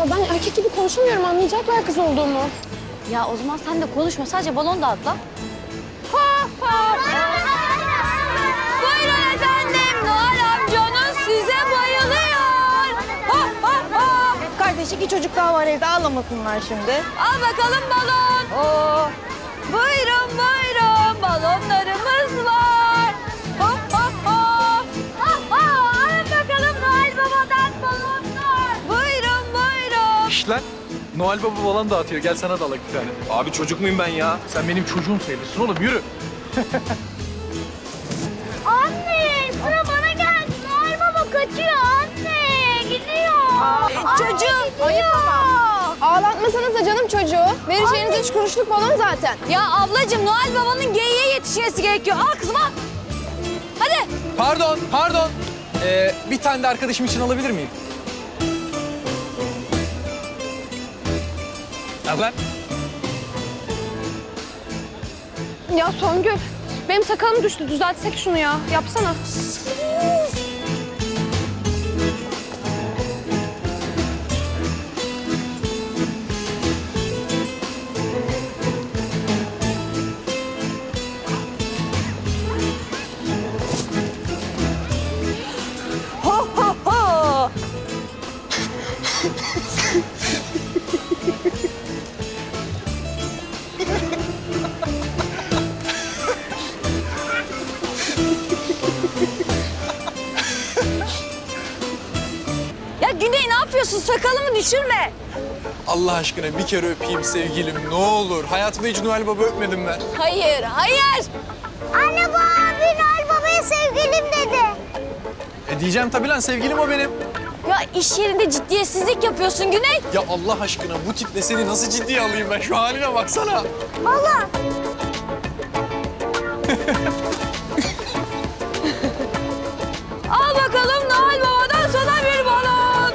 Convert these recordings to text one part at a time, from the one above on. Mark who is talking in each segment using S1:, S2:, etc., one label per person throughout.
S1: ben erkek gibi konuşamıyorum. Anlayacaklar kız olduğumu.
S2: Ya o zaman sen de konuşma. Sadece balon dağıt lan. Buyurun efendim. Noel amcanız size bayılıyor.
S3: Kardeş 2 çocuk daha var evde ağlamasınlar şimdi.
S2: Al bakalım balon. Buyurun buyurun. Balonlarımız var. Alın bakalım Noel Baba'dan balonlar. Buyurun buyurun.
S4: İşte lan. Noel Baba falan dağıtıyor. Gel sana da alak bir tane.
S5: Abi çocuk muyum ben ya?
S4: Sen benim çocuğum sayılırsın oğlum. Yürü.
S2: Anne sıra bana geldi. Noel Baba kaçıyor anne. Gidiyor.
S1: Çocuğum. Ayıp ama. Ağlatmasanız da canım çocuğu. Vereceğiniz 3 kuruşluk balon zaten.
S2: Ya ablacığım Noel Baba'nın geyiğe yetişmesi gerekiyor. Al kızım al. Hadi.
S4: Pardon. Bir tane de arkadaşım için alabilir miyim? Al lan.
S1: Ya Songül, benim sakalım düştü. Düzeltsek şunu ya. Yapsana.
S2: Ho ho ho. Ya Güney ne yapıyorsun? Sakalımı düşürme.
S4: Allah aşkına bir kere öpeyim sevgilim. Ne olur. Hayatımda hiç Noel Baba öpmedim ben.
S2: Hayır, hayır.
S6: Anne bu abi Noel Baba'ya sevgilim dedi.
S4: Diyeceğim tabii lan sevgilim o benim.
S2: Ya iş yerinde ciddiyetsizlik yapıyorsun Güney.
S4: Ya Allah aşkına bu tiple seni nasıl ciddiye alayım ben? Şu haline baksana.
S6: Allah.
S2: Al bakalım Noel Baba'dan sana bir balon.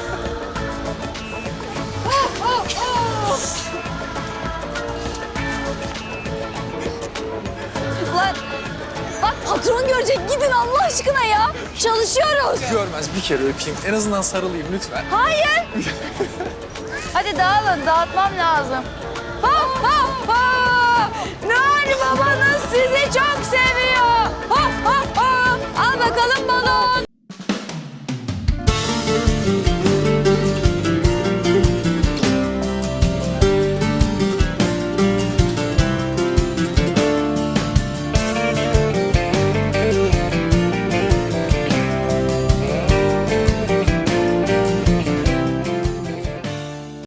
S2: Lan bak patron görecek gidin Allah aşkına ya. Çalışıyoruz.
S4: Görmez bir kere öpeyim. En azından sarılayım lütfen.
S2: Hayır. Hadi dağılın dağıtmam lazım. Ha ha ha. Noel Babanız sizi çok seviyor. Ha ha